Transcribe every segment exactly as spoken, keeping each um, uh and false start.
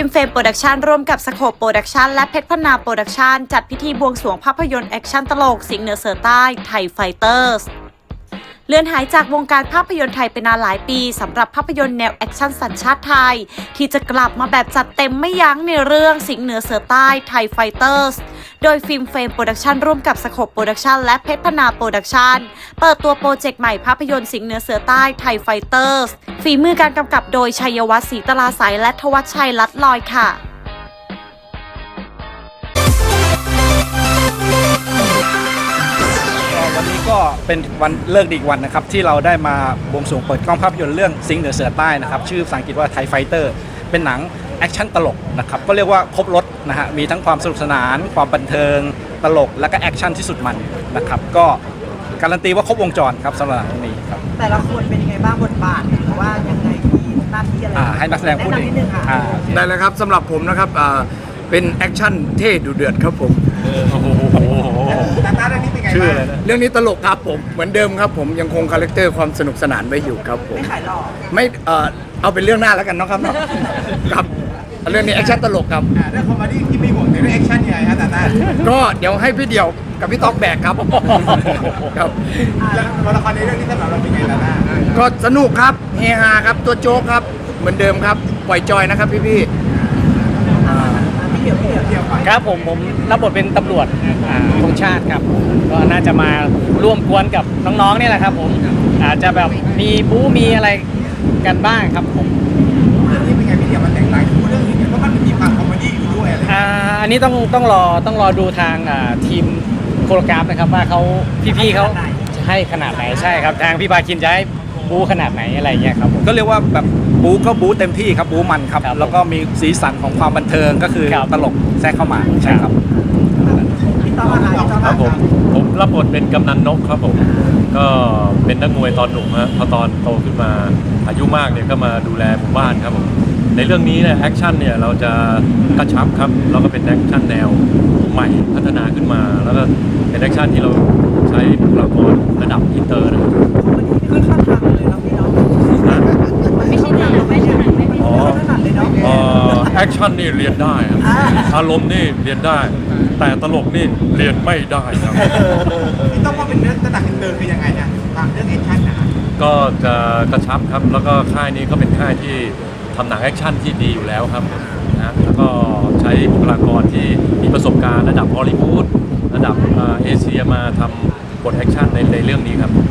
ล์มเฟรมโปรดักชันร่วมกับสโคปโปรดักชันและเพชรพนาโปรดักชันจัดพิธีบวงสรวงภาพยนตร์แอคชั่นตลกสิงห์เหนือเสือใต้ไทยไฟเตอร์สเลื่อนหายจากวงการภาพยนตร์ไทยไปนานหลายปีสำหรับภาพยนตร์แนวแอคชั่นสัญชาติไทยที่จะกลับมาแบบจัดเต็มไม่ยั้งในเรื่องสิงห์เหนือเสือใต้ไทยไฟเตอร์สโดยฟิล์มเฟรมโปรดักชันร่วมกับสโคปโปรดักชันและเพชรพนาโปรดักชันเปิดตัวโปรเจกต์ใหม่ภาพยนตร์สิงห์เหนือเสือใต้ไทยไฟเตอร์สฝีมือการกำกับโดยชัยวัฒน์ศรีตลาใสและทวัชชัยลัดลอยค่ะวันนี้ก็เป็นวันเลิกดีอีกวันนะครับที่เราได้มาบวงสรวงเปิดกล้องภาพยนตร์เรื่องสิงห์เหนือเสือใต้นะครับชื่อภาษาอังกฤษว่าไทยไฟเตอร์เป็นหนังแอคชั่นตลกนะครับก็เรียกว่าครบรถนะฮะมีทั้งความสนุกสนานความบันเทิงตลกและก็แอคชั่นที่สุดมันนะครับก็การันตีว่าครบวงจรครับสำหรับหนังนี้ครับแต่ละคนเป็นยังไงบ้างบทบาทหรือว่ายังไงมีหน้าที่อะไรให้นักแสดงพูดเองได้เลยครับสำหรับผมนะครับเป็นแอคชั่นเท่ดุเดือดครับผมชื่ออะไรนะเรื่องนี้ตลกครับผมเหมือนเดิมครับผมยังคงคาแรคเตอร์ความสนุกสนานไว้อยู่ครับผมไม่ขายหล่อไม่เอ่อเอาเป็นเรื่องหน้าแล้วกันเนาะครับเนาะครับเรื่องนี้แอคชั่นตลกครับเรื่องคอมเมดี้ที่ไม่ห่วงแต่เรื่องแอคชั่นยังไงฮะตาตาก็เดี๋ยวให้พี่เดี่ยวกับพี่ต๊อกแบกครับครับแล้วตัวละครในเรื่องนี้สำหรับเราเป็นไงตาตาก็สนุกครับเฮฮาครับตัวโจ๊กครับเหมือนเดิมครับปล่อยจอยนะครับพี่พี่ครับผมผมรับบทเป็นตำรวจธงชาติครับก็น่าจะมาร่วมกวนกับน้องๆนี่แหละครับผมอาจจะแบบมีบู๊มีอะไรกันบ้างครับผมเรื่องนี้เป็นไงพี่เดี่ยวมันแตกต่างจากเรื่องอื่นเพราะมันมีความคอมเมดี้อยู่ด้วยอะไรอ่าอันนี้ต้องต้องรอต้องรอดูทางทีมโคโรกราฟนะครับว่าเขาพี่ๆเขาจะให้ขนาดไหนใช่ครับทางพี่ปาคินจะให้บู๊ขนาดไหนอะไรเงี้ยครับก็เรียกว่าแบบบู๊ก็บู๊เต็มที่ครับบู๊มันครับแล้วก็มีสีสันของความบันเทิงก็คือตลกแทรกเข้ามาใช่ครับครับผมผมรับบทเป็นกำนันนกครับผมก็เป็นนักมวยตอนหนุ่มฮะพอตอนโตขึ้นมาอายุมากเนี่ยก็มาดูแลหมู่บ้านครับผมในเรื่องนี้เนี่ยแอคชั่นเนี่ยเราจะกระชับครับแล้วก็เป็นแอคชั่นแนวใหม่พัฒนาขึ้นมาแล้วก็เป็นแอคชั่นที่เราใช้บุคลากรระดับอินเตอร์นะครับขึ้นข้างทางเลยนะพี่น้องไม่ใช่หนังไม่ใช่หนังไม่ใช่หนังเลยเนาะแอคชั่นนี่เรียนได้ครับอารมณ์นี่เรียนได้แต่ตลกนี่เรียนไม่ได้ครับพี่ต้องว่าเป็นเรื่องระดับอินเตอร์คือยังไงนะทางเรื่องแอคชั่นนะก็จะกระชับครับแล้วก็ค่ายนี้ก็เป็นค่ายที่ทำหนังแอคชั่นที่ดีอยู่แล้วครับนะแล้วก็ใช้บุคลากรที่มีประสบการณ์ระดับฮอลลีวูดระดับเอเชียมาทำบทแอคชั่นในในเรื่องนี้ครับ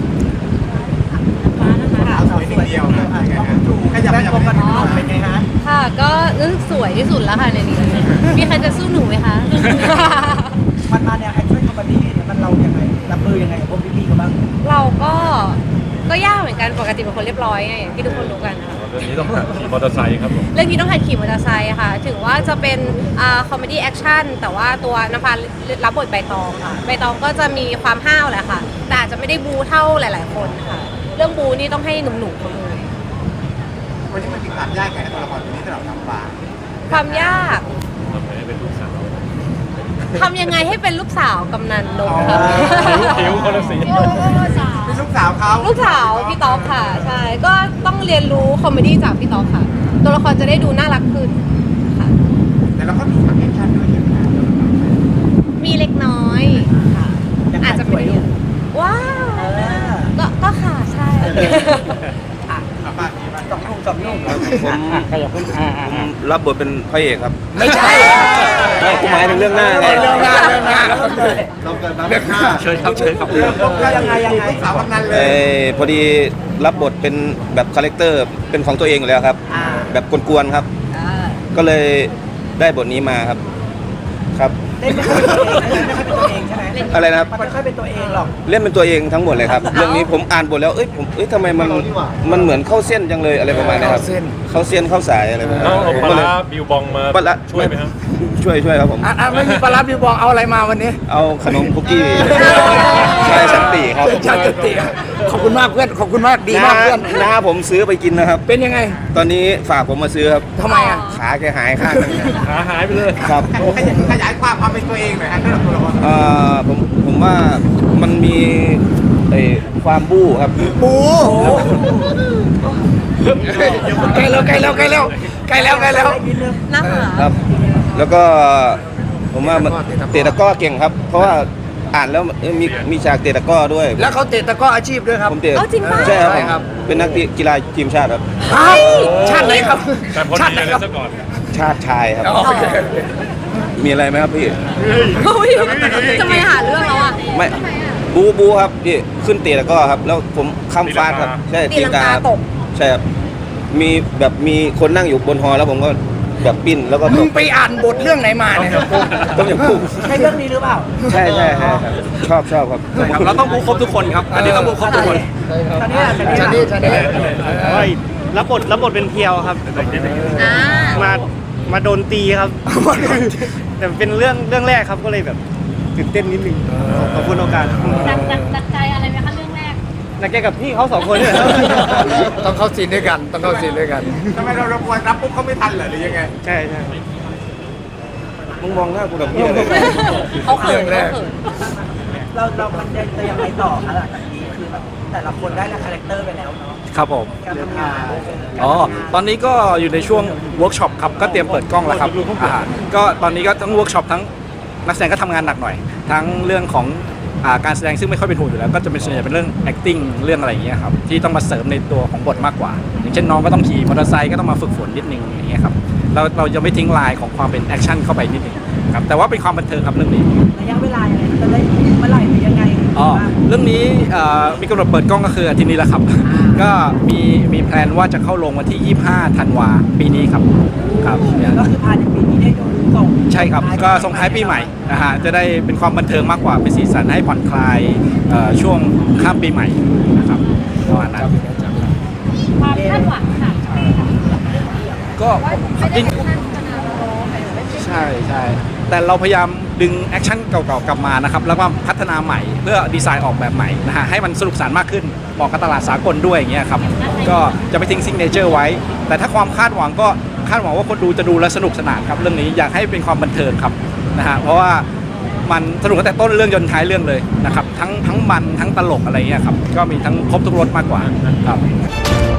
สวยเดียวนะขยับขยับกันเป็นไงฮะค่ะก็รู้สึกสวยที่สุดแล้วค่ะในนี้มีใครจะสู้หนูไหมคะมันมาแนวแอคชั่นคอมเมดี้เนี่ยมันเรายังไงรับมือยังไงพวกพี่ๆกันบ้างเราก็ก็ยากเหมือนกันปกติเป็นคนเรียบร้อยไงอย่างที่ทุกคนรู้กันค่ะเรื่องนี้ต้องหัดขี่มอเตอร์ไซค์ครับเรื่องนี้ต้องหัดขี่มอเตอร์ไซค์ค่ะถึงว่าจะเป็นอ่าคอมเมดี้แอคชั่นแต่ว่าตัวนภารับบทใบตองค่ะใบตองก็จะมีความห้าวแหละค่ะแต่อาจจะไม่ได้บูเท่าหลายๆคนค่ะเรื่องบูนี่ต้องให้หนุ่มๆเขาเลยวันนี้มันมีความยากไงตัวละครตัวนี้สำหรับน้ำปลาความยากทำให้เป็นลูกสาวทำยังไงให้เป็นลูกสาวกำนันนกค่ะผิวคนละสีเป็นลูกสาวเขาลูกสาวพี่ต๊อกค่ะใช่ก็ต้องเรียนรู้คอมเมดี้จากพี่ต๊อกค่ะตัวละครจะได้ดูน่ารักขึ้นค่ะแต่เราก็มีฉากแอคชั่นด้วยใช่ไหมมีเล็กน้อยค่ะอาจจะไม่ได้ว้าวก็ก็ค่ะใช่สองนุ่มสองนุ่มผมรับบทเป็นพระเอกครับไม่ใช่ผมหมายถึงเรื่องหน้าไงเรื่องหน้าเรื่องหน้าเราเกิดมาเรื่องหน้าเชิญครับเชิญครับยังไงยังไงสาวกำนันเลยพอดีรับบทเป็นแบบคาแรคเตอร์เป็นของตัวเองอยู่แล้วครับแบบกวนๆครับก็เลยได้บทนี้มาครับครับเล่นไม่ค่อยเป็นตัวเองไม่ค่อยเป็นตัวเองใช่ไหมอะไรนะครับมันไม่ค่อยเป็นตัวเองหรอกเล่นเป็นตัวเองทั้งหมดเลยครับเรื่องนี้ผมอ่านบทแล้วเอ้ยผมเอ้ยทำไมมันมันเหมือนเข้าเส้นจังเลยอะไรประมาณนี้ครับเข้าเส้นเข้าสายอะไรประมาณนี้เอาปลาบิวบองมาช่วยไหมครับช่วยช่วยครับผมอ่าไม่มีปลาบิวบองเอาอะไรมาวันนี้เอาขนมคุกกี้ใช่สันติครับใช่สันติขอบคุณมากเพื่อนขอบคุณมากดีมากเพื่อนน้าผมซื้อไปกินนะครับเป็นยังไงตอนนี้ฝากผมมาซื้อครับทำไมอ่ะขาแกหายข้างนึงขาหายไปเลยครับขยายความความเป็นตัวเองหน่อยฮะเรื่องตัวละครเอ่อผมผมว่ามันมีไอ้ความบู้ครับปูใกล้แล้วใกล้แล้วใกล้แล้วใกล้แล้วใกล้แล้วนะคะครับ แล้วก็ผมว่ามันเตะตะกร้อเก่งครับ เพราะว่าอ่านแล้วเอ้ยมีมีฉากเตะตะกร้อด้วยแล้วเขาเตะตะกร้ออาชีพด้วยครับผมเตะเอาจริงป่ะใช่ครับใช่ครับเป็นนักกีฬาทีมชาติครับชาติไหนครับแต่พอชาดีติไหนเลครัยบซะก่อนชาติชายครับโอเคมีอะไรไหมครับพี่อุ๊ยจะไม่หาเรื่องแล้วอ่ะไม่บูบูครับพี่ขึ้นเตะตะกร้อครับ แล้วผมข้ามฟาดครับใช่ตีลังกาตกใช่ครับมีแบบมีคนนั่งอยู่บนฮอแล้วผมก็แบบปิ้นแล้วก็ตมึงกไปอ่านบทเรื่องไหนมาเนี่ยต้มยำกุ้งใช่เรื่องนี้หรือเปล่าใช่ใช่ใช่ครับชอบชอบครับครับเราต้องบูครบทุกคนครับ อันนี้ต้องบูครบทุกคนตอนนี้ชานี่ชานี่รับบทรับบทเป็นเพียวครับอ่ามามาโดนตีครับ แต่เป็นเรื่องเรื่องแรกครับก็เลยแบบตื่นเต้นนิดนึงขอบคุณโอกาสดักดักดักใจอะไรไหมคะเรื่องแรกนักแกกับพี่เขาสองคนเนี่ยครับต้องเข้าซีนด้วยกัน ต้องเข้าซีนด้วยกันทำไมเราเราควรรับปุ๊บเขาไม่ทันเหรอหรือยังไงใช่ใช่มึงมองหน้ากูแบบนี้เลยเขาเขินเรื่องแรเขากเขินเราเรามันจะยังไงต่อคะหลังจากนี้คือแบบแต่ละคนได้ละคาแรคเตอร์ไปแล้วเนาะครับผมการทำงานอ๋อ ตอนนี้ก็อยู่ในช่วงเวิร์กช็อปครับ ก็เตรียมเปิดกล้องแล้วครับอ่าก็ตอนนี้ก็ทั้งเวิร์กช็อปทั้งนักแสดงก็ทำงานหนักหน่อย ทั้งเรื่องของอ่าการแสดงซึ่งไม่ค่อยเป็นห่วงอยู่แล้ว ก็จะเป็นส่วนใหญ่เป็นเรื่อง acting เรื่องอะไรอย่างเงี้ยครับ ที่ต้องมาเสริมในตัวของบทมากกว่า อย่างเช่นน้องก็ต้องขี่มอเตอร์ไซค์ก็ต้องมาฝึกฝนนิดนึงอย่างเงี้ยครับ เราเราจะไม่ทิ้งลายของความเป็นแอคชั่นเข้าไปนิดนึงครับ แต่ว่าเป็นความบันเทิงครับเรื่องนี้ระยะเวลายังไงจะได้เมื่อไหร่หรือยังไงอ๋อเรื่องนี้เอ่อมีกำหนดเปิดกล้องก็คืออาทิตย์นี้แหละครับ ก็มีมีแพลนว่าจะเข้าลงวันที่ ยี่สิบห้า ธันวาปีนี้ครับครับเนี่ยก็คือภายในปีนี้ได้ดูส่งใช่ครับ ก็ส่งท้ายปีใหม่นะฮะจะได้เป็นความบันเทิงมากกว่าเป็นสีสันให้ผ่อนคลายเอ่อช่วงข้ามปีใหม่นะครับประมาณนั้นความคาดหวังค่ะก็จริงใช่ใช่แต่เราพยายามดึงแอคชั่นเก่าๆกลับมานะครับแล้วก็พัฒนาใหม่เพื่อดีไซน์ออกแบบใหม่นะฮะให้มันสนุกสนานมากขึ้นเหมาะกับตลาดสากลด้วยอย่างเงี้ยครับก็จะไปทิ้งซิงเนเจอร์ไว้ แต่ถ้าความคาดหวังก็คาดหวังว่าคนดูจะดูและสนุกสนานครับเรื่องนี้อยากให้เป็นความบันเทิงครับนะฮะเพราะว่ามันสนุกตั้งแต่ต้นเรื่องจนท้ายเรื่องเลยนะครับทั้งทั้งมันทั้งตลกอะไรเงี้ยครับก็มีทั้งครบทุกรสมากกว่าครับ